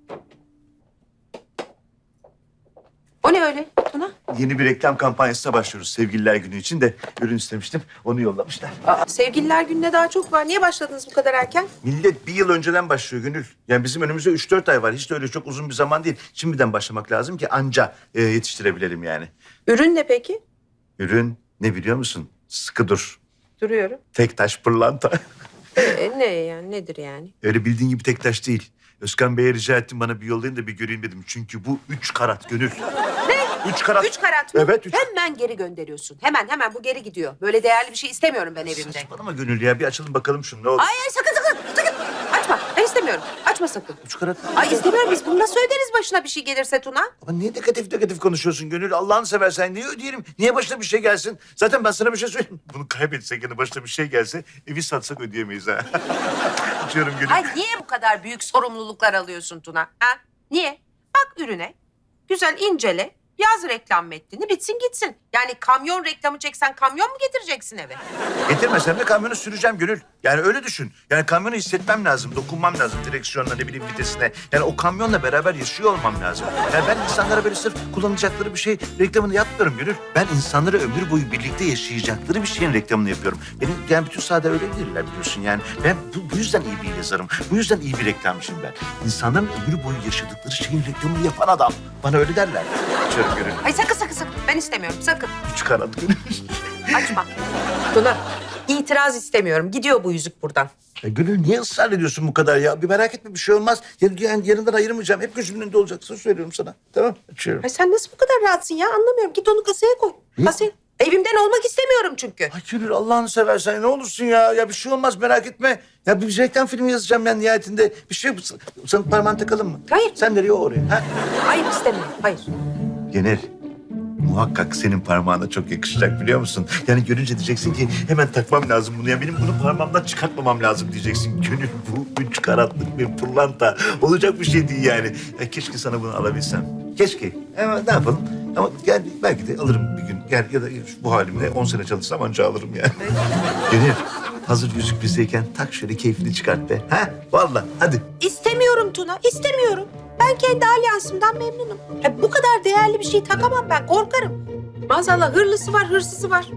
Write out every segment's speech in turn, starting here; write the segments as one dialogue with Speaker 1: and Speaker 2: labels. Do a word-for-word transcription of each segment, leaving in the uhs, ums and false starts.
Speaker 1: O ne öyle Tuna?
Speaker 2: Yeni bir reklam kampanyasına başlıyoruz Sevgililer Günü için de ürün istemiştim. Onu yollamışlar.
Speaker 1: Aa, Sevgililer Günü'ne daha çok var. Niye başladınız bu kadar erken?
Speaker 2: Millet bir yıl önceden başlıyor Gönül. Yani bizim önümüzde üç dört ay var. Hiç de öyle çok uzun bir zaman değil. Şimdiden başlamak lazım ki anca e, yetiştirebilelim yani.
Speaker 1: Ürün ne peki?
Speaker 2: Ürün ne biliyor musun? Sıkı dur.
Speaker 1: Duruyorum.
Speaker 2: Tek taş pırlanta.
Speaker 1: Ee, ne yani? Nedir yani?
Speaker 2: Öyle bildiğin gibi tek taş değil. Özkan Bey'e rica ettim bana bir yollayın da bir göreyim dedim. Çünkü bu üç karat Gönül.
Speaker 1: Ne?
Speaker 2: Üç karat.
Speaker 1: Üç karat mı?
Speaker 2: Evet, üç.
Speaker 1: Hemen geri gönderiyorsun. Hemen hemen bu geri gidiyor. Böyle değerli bir şey istemiyorum ben evimde.
Speaker 2: Saçmalama Gönül ya. Bir açalım bakalım şunu ne olur.
Speaker 1: Ay ay sakın sakın sakın. Açma. Ben istemiyorum. Açma sakın.
Speaker 2: Üç karat.
Speaker 1: Ay istemiyorum. Biz bunu nasıl öderiz başına bir şey gelirse Tuna?
Speaker 2: Ama niye negatif negatif konuşuyorsun Gönül? Allah'ını seversen niye ödeyelim? Niye başına bir şey gelsin? Zaten ben sana bir şey söyleyeyim. Bunu kaybetsek yani başına bir şey gelse evi satsak ödeyemeyiz ha. Açıyorum Gönül.
Speaker 1: Ay niye bu kadar büyük sorumluluklar alıyorsun Tuna? Ha? Niye? Bak ürüne. Güzel incele. Yaz reklam metnini bitsin gitsin. Yani kamyon reklamı çeksen kamyon mu getireceksin eve?
Speaker 2: Getirmesem de kamyonu süreceğim Gönül. Yani öyle düşün. Yani kamyonu hissetmem lazım, dokunmam lazım direksiyonla ne bileyim vitesine. Yani o kamyonla beraber yaşıyor olmam lazım. Yani ben insanlara böyle sırf kullanacakları bir şey reklamını yapmıyorum Gönül. Ben insanlara ömür boyu birlikte yaşayacakları bir şeyin reklamını yapıyorum. Benim yani bütün sahada öyle değiller biliyorsun yani. Ben bu, bu yüzden iyi bir yazarım. Bu yüzden iyi bir reklamcıyım ben. İnsanların ömür boyu yaşadıkları şeyin reklamını yapan adam. Bana öyle derler. Açıyorum Gönül.
Speaker 1: Ay sakın sakın sakın. Ben istemiyorum sakın.
Speaker 2: Üç karat Gönül.
Speaker 1: Açma. Tuna itiraz istemiyorum. Gidiyor bu yüzük buradan.
Speaker 2: Ya Gönül niye ısrar ediyorsun bu kadar ya? Bir merak etme bir şey olmaz. Yani, yani yanından ayırmayacağım. Hep gözümün önünde olacaksın söylüyorum sana. Tamam açıyorum.
Speaker 1: Ay sen nasıl bu kadar rahatsın ya anlamıyorum. Git onu kasaya koy.
Speaker 2: Ne?
Speaker 1: Kasaya. Evimden olmak istemiyorum çünkü.
Speaker 2: Ay Gönül Allah'ını seversen ne olursun ya. Ya bir şey olmaz merak etme. Ya bir reklam filmi yazacağım ben nihayetinde. Bir şey sana parmağını takalım mı?
Speaker 1: Hayır.
Speaker 2: Sen nereye o oraya? Ha?
Speaker 1: Hayır istemiyorum. Hayır.
Speaker 2: Genel. Muhakkak senin parmağına çok yakışacak biliyor musun? Yani görünce diyeceksin ki hemen takmam lazım bunu. Ya benim bunu parmağımdan çıkartmamam lazım diyeceksin. Gönül bu üç karatlık bir pırlanta. Olacak bir şey değil yani. Ya keşke sana bunu alabilsem. Keşke. Ama ne yapalım? Ama yani belki de alırım bir gün. Yani ya da bu halimle on sene çalışsam anca alırım yani. Gönül hazır yüzük bizdeyken tak şöyle keyfini çıkart be. Ha? Vallahi hadi.
Speaker 1: İstemiyorum Tuna. İstemiyorum. Ben kendi alyansımdan memnunum. Ya bu kadar değerli bir şey takamam ben. Korkarım. Maazallah hırlısı var, hırsızı var.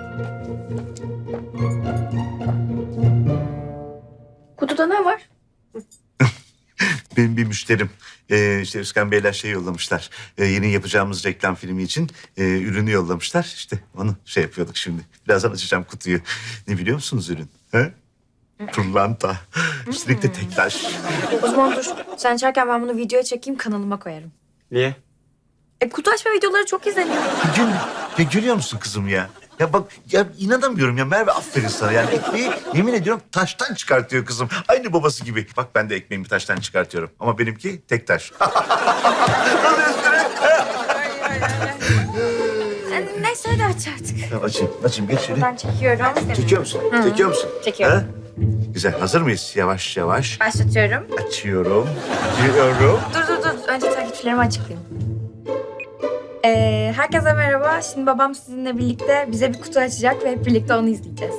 Speaker 3: Kutuda ne var?
Speaker 2: Benim bir müşterim. Ee, işte Özkan Beyler şey yollamışlar. Ee, yeni yapacağımız reklam filmi için e, ürünü yollamışlar. İşte onu şey yapıyorduk şimdi. Birazdan açacağım kutuyu. Ne biliyor musunuz ürün? He? Pırlanta. Üstelik de tek taş.
Speaker 3: O zaman dur. Sen içerken ben bunu videoya çekeyim, kanalıma koyarım.
Speaker 4: Niye?
Speaker 3: E kutu açma videoları çok izleniyor.
Speaker 2: Gül, ya görüyor musun kızım ya? Ya bak ya inanamıyorum ya Merve aferin sana. Yani ekmeği yemin ediyorum taştan çıkartıyor kızım. Aynı babası gibi. Bak ben de ekmeğimi taştan çıkartıyorum. Ama benimki tek taş.
Speaker 3: E, neyse hadi aç artık.
Speaker 2: Ya açayım, açayım. Geç şöyle.
Speaker 3: Ben çekiyorum.
Speaker 2: Çekiyor musun? Çekiyor musun?
Speaker 3: Çekiyorum.
Speaker 2: Ha? Güzel. Hazır mıyız? Yavaş yavaş.
Speaker 3: Başlatıyorum.
Speaker 2: Açıyorum. Açıyorum.
Speaker 3: Dur dur dur. Önce takipçilerimi açıklayayım. Ee, herkese merhaba. Şimdi babam sizinle birlikte bize bir kutu açacak ve hep birlikte onu izleyeceğiz.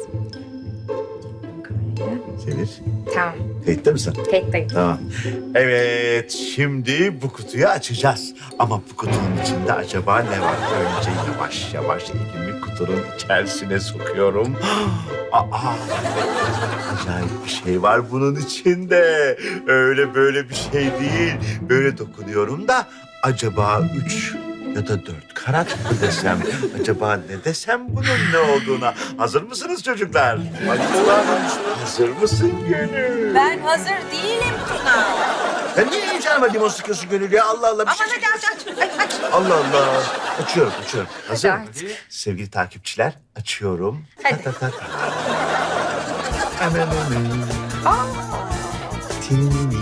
Speaker 2: Çevir.
Speaker 3: Tamam.
Speaker 2: Kayıtta mısın?
Speaker 3: Kayıttayım.
Speaker 2: Tamam. Evet, şimdi bu kutuyu açacağız. Ama bu kutunun içinde acaba ne var? Önce yavaş yavaş elimi kutunun içerisine sokuyorum. Aa, acayip bir şey var bunun içinde. Öyle böyle bir şey değil. Böyle dokunuyorum da acaba üç ya da dört karat mı desem? Acaba ne desem bunun ne olduğuna? Hazır mısınız çocuklar? Hazır mısın Gönül?
Speaker 1: Ben hazır değilim Tuna.
Speaker 2: Ya niye heyecanıma limon sıkıyorsun Gönül ya? Allah Allah. Bir
Speaker 1: Aman
Speaker 2: şey
Speaker 1: hadi aç aç. Ay, aç.
Speaker 2: Allah Allah. Açıyorum, açıyorum. Hazır
Speaker 3: Hadi
Speaker 2: mı?
Speaker 3: artık.
Speaker 2: Sevgili takipçiler, açıyorum.
Speaker 3: Hadi.
Speaker 2: Ta ta ta ta. Ananı. Tinini.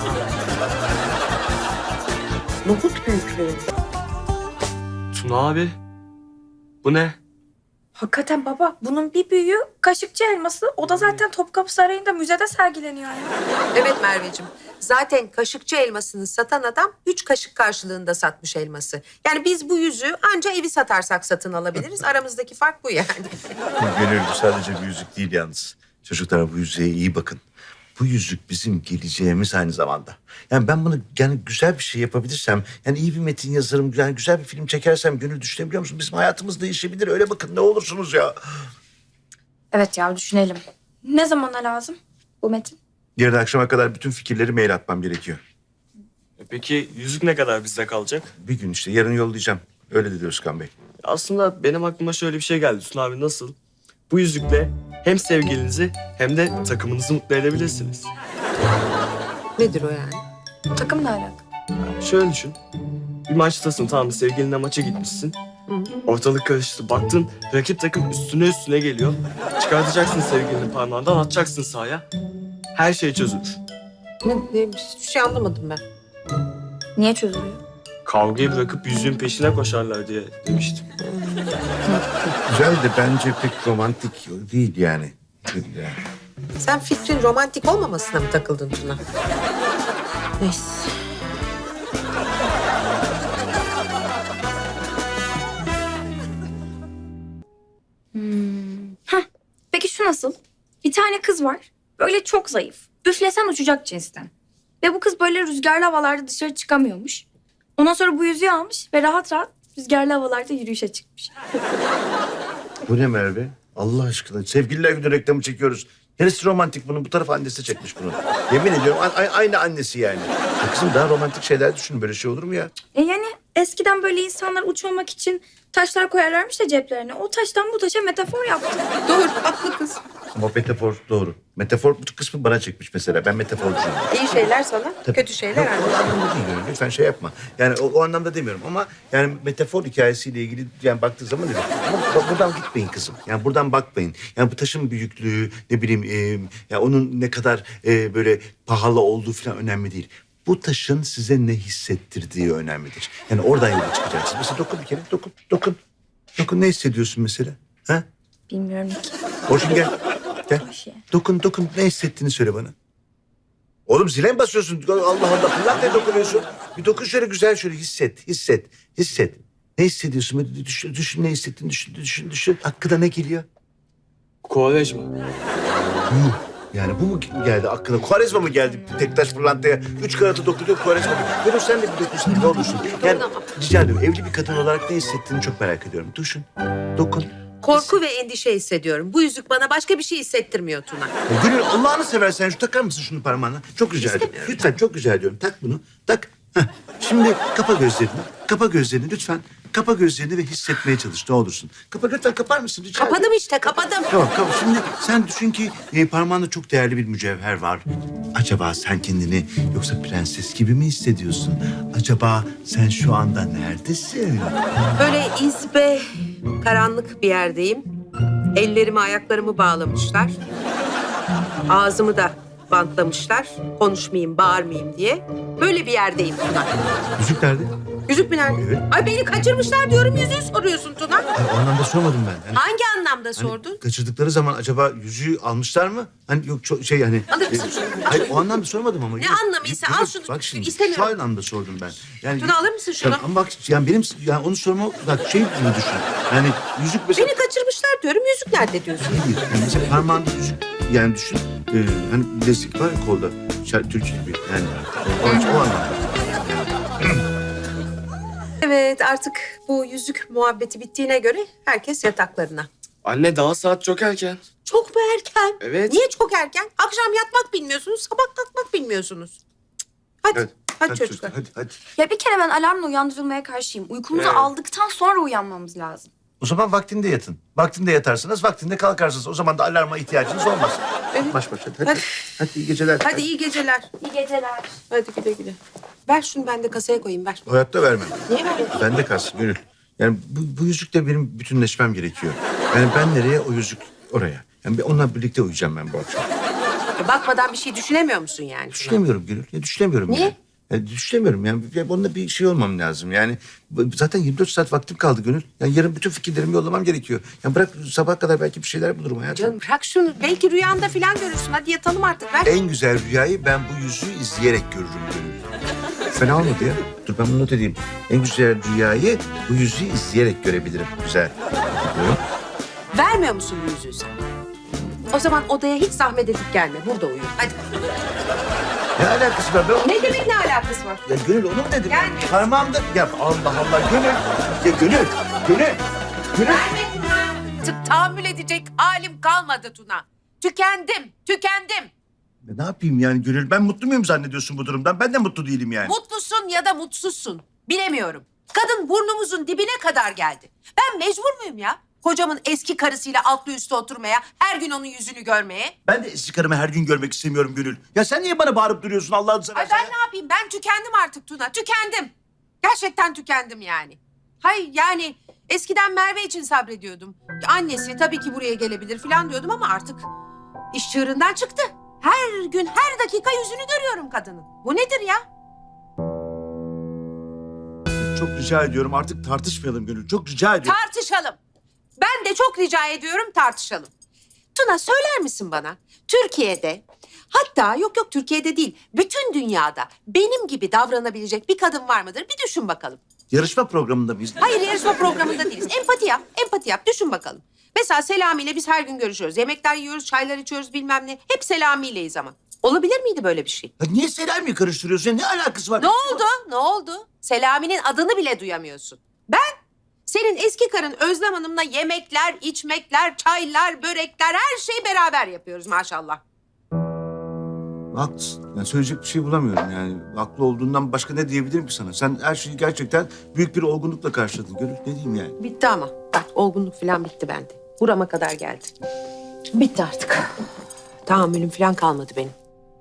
Speaker 1: Nohut büyüklüğü.
Speaker 4: Tuna abi. Bu ne?
Speaker 3: Hakikaten baba, bunun bir büyüğü kaşıkçı elması. O da zaten Topkapı Sarayı'nda müzede sergileniyor ya.
Speaker 1: Evet Merveciğim. Zaten kaşıkçı elmasını satan adam üç kaşık karşılığında satmış elması. Yani biz bu yüzüğü anca evi satarsak satın alabiliriz. Aramızdaki fark bu yani.
Speaker 2: Gönül bu sadece bir yüzük değil yalnız. Çocuklar bu yüzüğe iyi bakın. bu yüzük bizim geleceğimiz aynı zamanda. Yani ben bunu yani güzel bir şey yapabilirsem, yani iyi bir metin yazarım, yani güzel bir film çekersem Gönül, düşünebiliyor musun? Bizim hayatımız değişebilir. Öyle bakın, ne olursunuz ya.
Speaker 3: Evet ya, düşünelim. Ne zamana lazım bu metin?
Speaker 2: Yarın akşama kadar bütün fikirleri mail atmam gerekiyor.
Speaker 4: E Peki yüzük ne kadar bizde kalacak?
Speaker 2: Bir gün işte, yarın yollayacağım. Öyle dedi Özkan Bey.
Speaker 4: Aslında benim aklıma şöyle bir şey geldi Tuna abi, nasıl? Bu yüzükle hem sevgilinizi hem de takımınızı mutlu edebilirsiniz.
Speaker 1: Nedir o yani?
Speaker 3: Takım ne alaka?
Speaker 4: Şöyle düşün. Bir maçtasın, tamam mı? Sevgilinle maça gitmişsin. Ortalık karıştı. Baktın rakip takım üstüne üstüne geliyor. Çıkartacaksın sevgilini parmağından, atacaksın sahaya. Her şey çözülür.
Speaker 1: Ne, neymiş? Hiçbir şey anlamadım ben.
Speaker 3: Niye çözülüyor?
Speaker 4: Kavgayı bırakıp yüzüğün peşine koşarlar diye demiştim.
Speaker 2: Güzel de bence pek romantik değil yani. yani.
Speaker 1: Sen fikrin romantik olmamasına mı takıldın Tuna? Neyse.
Speaker 3: Peki şu nasıl? Bir tane kız var. Böyle çok zayıf. Üflesen uçacak cinsten. Ve bu kız böyle rüzgarlı havalarda dışarı çıkamıyormuş. Ondan sonra bu yüzüğü almış ve rahat rahat rüzgarlı havalarda yürüyüşe çıkmış.
Speaker 2: Bu ne Merve? Allah aşkına. Sevgililer Günü reklamı çekiyoruz. Neresi romantik bunun? Bu tarafa annesi çekmiş bunu. Yemin ediyorum a- a- aynı annesi yani. Ya kızım, daha romantik şeyler düşün. Böyle şey olur mu ya?
Speaker 3: E yani eskiden böyle insanlar uçmamak için taşlar koyarlarmış da ceplerine. O taştan bu taşa metafor yaptı.
Speaker 1: Doğru, haklı kız.
Speaker 2: Ama metafor doğru. Metafor bu kısmı bana çekmiş mesela. Ben metaforcuyum.
Speaker 1: İyi şeyler sana,
Speaker 2: Tabii.
Speaker 1: kötü şeyler
Speaker 2: Yok,
Speaker 1: annene.
Speaker 2: o anlamda değil yani. Lütfen şey yapma. Yani o, o anlamda demiyorum ama yani metafor hikayesiyle ilgili yani baktığı zaman öyle. Ama bu- buradan gitmeyin kızım. Yani buradan bakmayın. Yani bu taşın büyüklüğü, ne bileyim e, ya onun ne kadar e, böyle pahalı olduğu falan önemli değil. Bu taşın size ne hissettirdiği önemlidir. Yani oradan yola çıkacaksınız. Mesela dokun bir kere, dokun, dokun. Dokun, ne hissediyorsun mesela? Ha?
Speaker 3: Bilmiyorum ki.
Speaker 2: Orçun gel. Gel.
Speaker 3: Bir şey.
Speaker 2: Dokun, dokun. Ne hissettiğini söyle bana. Oğlum zile mi basıyorsun? Allah Allah. Fırlat, ne dokunuyorsun? Bir dokun şöyle, güzel şöyle hisset, hisset, hisset. Ne hissediyorsun? Böyle Düşün, düşün ne hissettiğini düşün, düşün, düşün. Hakkında ne geliyor?
Speaker 4: Kovalejma.
Speaker 2: Yuh. Yani bu mu geldi aklına? Kuarezma mı geldi Tektaş Fırlanta'ya? Üç karatı dokunuyor, Kuarezma mı? Gönül sen de bir dokunsun, ne olursun. Yani rica ediyorum, evli bir kadın olarak ne hissettiğini çok merak ediyorum. Düşün, dokun.
Speaker 1: Korku ve endişe hissediyorum. Bu yüzük bana başka bir şey hissettirmiyor Tuna.
Speaker 2: Ya Gönül, Allah'ını seversen şu takar mısın şunu parmağına? Çok rica ediyorum.
Speaker 1: İstemiyorum.
Speaker 2: Lütfen, çok rica ediyorum. Tak bunu, tak. Heh. Şimdi kapa gözlerini, kapa gözlerini lütfen. Kapa gözlerini ve hissetmeye çalış, ne olursun. Kapa, lütfen kapar mısın? Rica ediyorum.
Speaker 1: Kapadım işte, kapadım.
Speaker 2: Tamam, kapa. Şimdi sen düşün ki e, parmağında çok değerli bir mücevher var. Acaba sen kendini yoksa prenses gibi mi hissediyorsun? Acaba sen şu anda neredesin?
Speaker 1: Böyle izbe, karanlık bir yerdeyim. Ellerimi, ayaklarımı bağlamışlar. Ağzımı da bantlamışlar. Konuşmayayım, bağırmayayım diye. Böyle bir yerdeyim Tuna.
Speaker 2: Yüzük nerede?
Speaker 1: Yüzük mü nerede?
Speaker 2: Evet.
Speaker 1: Ay beni kaçırmışlar diyorum, yüzüğü soruyorsun Tuna.
Speaker 2: Ay, o anlamda sormadım ben. Yani,
Speaker 1: Hangi anlamda
Speaker 2: hani
Speaker 1: sordun?
Speaker 2: kaçırdıkları zaman acaba yüzüğü almışlar mı? Hani yok çok şey hani.
Speaker 1: Alır mısın
Speaker 2: e,
Speaker 1: şunu?
Speaker 2: Hayır, o anlamda sormadım ama.
Speaker 1: Ne
Speaker 2: Yok,
Speaker 1: anlamıysa
Speaker 2: yok,
Speaker 1: al
Speaker 2: yok.
Speaker 1: şunu.
Speaker 2: Bak şimdi
Speaker 1: İstemiyorum.
Speaker 2: şu anlamda sordum ben. Yani,
Speaker 1: Tuna, alır mısın şunu?
Speaker 2: Ya, ama bak yani benim yani onu sorma bak şey gibi düşün. Yani yüzük mesela.
Speaker 1: Beni kaçırmışlar diyorum, yüzük nerede diyorsun?
Speaker 2: Hayır, yani mesela parmağında yüzük yani düşün. Ee, hani bilezik var ya kolda. Şer, Türk gibi yani. O, o anlamda.
Speaker 1: Evet, artık bu yüzük muhabbeti bittiğine göre herkes yataklarına.
Speaker 4: Anne, daha saat çok erken.
Speaker 1: Çok mu erken?
Speaker 4: Evet.
Speaker 1: Niye çok erken? Akşam yatmak bilmiyorsunuz, sabah kalkmak bilmiyorsunuz. Cık. Hadi,
Speaker 2: Evet,
Speaker 1: hadi, çocuklar.
Speaker 2: Hadi hadi.
Speaker 3: Ya bir kere ben alarmla uyandırılmaya karşıyım. Uykumuzu
Speaker 4: Evet.
Speaker 3: aldıktan sonra uyanmamız lazım.
Speaker 2: O zaman vaktinde yatın. Vaktinde yatarsınız, vaktinde kalkarsınız. O zaman da alarma ihtiyacınız olmaz.
Speaker 1: Evet.
Speaker 2: Baş başa. Hadi.
Speaker 1: Hadi.
Speaker 2: Hadi, iyi geceler.
Speaker 1: Hadi iyi geceler.
Speaker 3: İyi geceler.
Speaker 1: Hadi güle güle. Ver şunu, ben de kasaya koyayım, ver.
Speaker 2: Hayatta vermem.
Speaker 1: Niye veriyorsun?
Speaker 2: Bende kalsın Gönül. Yani bu, bu yüzükle benim bütünleşmem gerekiyor. Yani ben nereye, o yüzük oraya. Yani bir onunla birlikte uyuyacağım ben bu akşam.
Speaker 1: E, Bakmadan bir şey düşünemiyor musun yani? Tuna?
Speaker 2: Düşünemiyorum Gönül. Ya düşünemiyorum.
Speaker 1: Niye?
Speaker 2: Yani. Ya düşünemiyorum yani. Ya onunla bir şey olmam lazım. Yani bu- zaten yirmi dört saat vaktim kaldı Gönül. Yani yarın bütün fikirlerimi yollamam gerekiyor. Yani bırak sabah kadar belki bir şeyler bulurum hayatım.
Speaker 1: Canım bırak şunu. Belki rüyanda falan görürsün. Hadi yatalım artık, ver.
Speaker 2: En güzel rüyayı ben bu yüzüğü izleyerek görürüm Gönül. Fena olmadı ya. Dur ben bunu not edeyim. En güzel rüyayı bu yüzüğü izleyerek görebilirim. Güzel. Diyorum.
Speaker 1: Vermiyor musun bu yüzüğü sen? O zaman odaya hiç zahmet edip gelme. Burada uyu. Hadi.
Speaker 2: Ne alakası var? Ben...
Speaker 1: Ne demek ne alakası var?
Speaker 2: Ya Gönül onu mu dedim?
Speaker 1: Gelmiyor.
Speaker 2: Parmağımda... Ya Allah Allah Gönül. Ya Gönül. Gönül. Gönül.
Speaker 1: Verme Tuna. Tık tahammül edecek halim kalmadı Tuna. Tükendim, tükendim.
Speaker 2: Ya ne yapayım yani Gönül? Ben mutlu muyum zannediyorsun bu durumdan? Ben de mutlu değilim yani.
Speaker 1: Mutlusun ya da mutsuzsun. Bilemiyorum. Kadın burnumuzun dibine kadar geldi. Ben mecbur muyum ya? Kocamın eski karısıyla altlı üstü oturmaya, her gün onun yüzünü görmeye.
Speaker 2: Ben de eski karımı her gün görmek istemiyorum Gönül. Ya sen niye bana bağırıp duruyorsun Allah'ını
Speaker 1: Ay
Speaker 2: seversen?
Speaker 1: ben ne yapayım? Ben tükendim artık Tuna. Tükendim. Gerçekten tükendim yani. Hayır yani eskiden Merve için sabrediyordum. Annesi tabii ki buraya gelebilir falan diyordum ama artık iş çığırından çıktı. Her gün, her dakika yüzünü görüyorum kadının. Bu nedir ya?
Speaker 2: Çok rica ediyorum artık tartışmayalım Gönül. Çok rica ediyorum.
Speaker 1: Tartışalım. Ben de çok rica ediyorum tartışalım. Tuna söyler misin bana? Türkiye'de, hatta yok yok Türkiye'de değil, bütün dünyada benim gibi davranabilecek bir kadın var mıdır? Bir düşün bakalım.
Speaker 2: Yarışma programında mıyız?
Speaker 1: Hayır yarışma programında değiliz. Empati yap, empati yap. Düşün bakalım. Mesela Selami ile biz her gün görüşüyoruz. Yemekler yiyoruz, çaylar içiyoruz bilmem ne. Hep Selami ileyiz ama. Olabilir miydi böyle bir şey?
Speaker 2: Ya niye Selami'yi karıştırıyorsun? Ya ne alakası var?
Speaker 1: Ne oldu? Ne oldu? Selami'nin adını bile duyamıyorsun. Ben senin eski karın Özlem Hanım'la yemekler, içmekler, çaylar, börekler her şeyi beraber yapıyoruz maşallah.
Speaker 2: Haklısın. Ben söyleyecek bir şey bulamıyorum yani. Haklı olduğundan başka ne diyebilirim ki sana? Sen her şeyi gerçekten büyük bir olgunlukla karşıladın Gönül. Ne diyeyim yani?
Speaker 1: Bitti ama. Bak olgunluk falan bitti bende. Burama kadar geldi. Bitti artık. Tahammülüm falan kalmadı benim.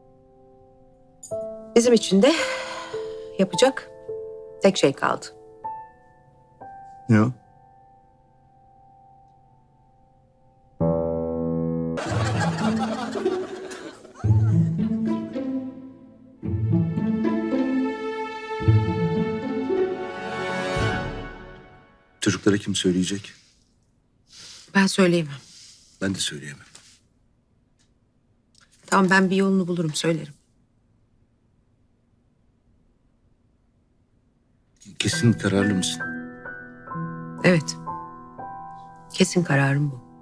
Speaker 1: Bizim için de yapacak tek şey kaldı.
Speaker 2: Ne o? Çocuklara kim söyleyecek?
Speaker 1: Ben söyleyemem.
Speaker 2: Ben de söyleyemem.
Speaker 1: Tamam ben bir yolunu bulurum söylerim.
Speaker 2: Kesin kararlı mısın?
Speaker 1: Evet. Kesin kararım bu.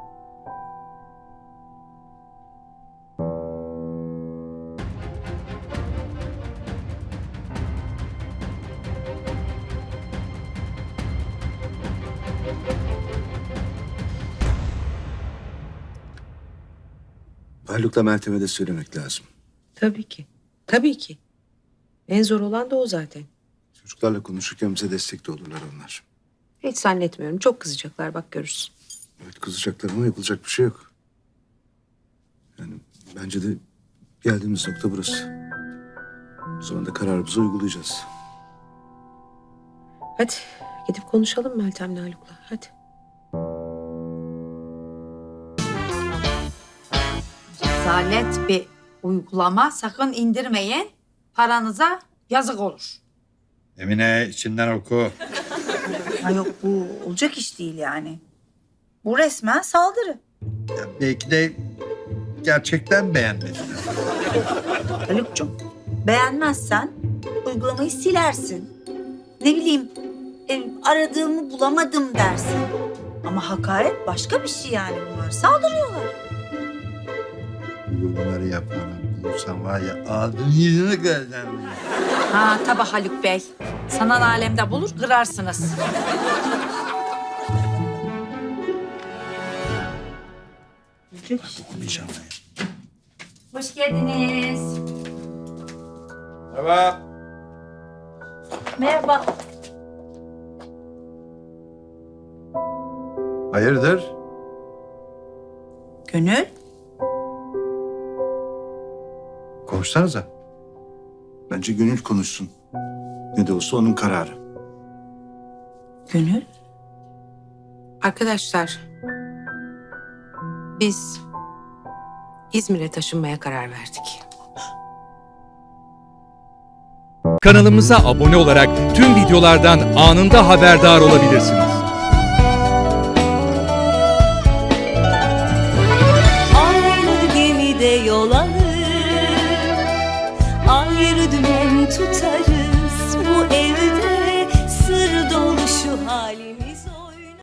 Speaker 2: Haluk'la Meltem'e de söylemek lazım.
Speaker 1: Tabii ki. Tabii ki. En zor olan da o zaten.
Speaker 2: Çocuklarla konuşurken bize destek de olurlar onlar.
Speaker 1: Hiç zannetmiyorum. Çok kızacaklar bak görürsün.
Speaker 2: Evet kızacaklar ama yapılacak bir şey yok. Yani bence de geldiğimiz nokta burası. O zaman da kararımızı uygulayacağız.
Speaker 1: Hadi gidip konuşalım Meltem'le Haluk'la. Hadi.
Speaker 5: Rezalet bir uygulama. Sakın indirmeyin. Paranıza yazık olur.
Speaker 6: Emine içinden oku.
Speaker 7: Ha yok bu olacak iş değil yani. Bu resmen saldırı.
Speaker 6: Ya belki de gerçekten beğenmedin.
Speaker 7: Haluk'cum beğenmezsen uygulamayı silersin. Ne bileyim e, aradığımı bulamadım dersin. Ama hakaret başka bir şey yani bunlar. Saldırıyorlar.
Speaker 6: Bunları yapanı bulursan var ya ağzını yüzünü kıracağım.
Speaker 5: Ha tabii Haluk Bey. Sanal alemde bulur kırarsınız.
Speaker 6: Dokunmayacağım ben.
Speaker 3: Hoş geldiniz.
Speaker 6: Merhaba.
Speaker 7: Merhaba.
Speaker 6: Hayırdır?
Speaker 7: Gönül.
Speaker 6: Konuşsanıza.
Speaker 2: Bence Gönül konuşsun. Ne de olsa onun kararı.
Speaker 7: Gönül.
Speaker 1: Arkadaşlar biz İzmir'e taşınmaya karar verdik.
Speaker 8: Kanalımıza abone olarak tüm videolardan anında haberdar olabilirsiniz.
Speaker 9: Aynı gemide yol alır, ayrı dümen tutarız.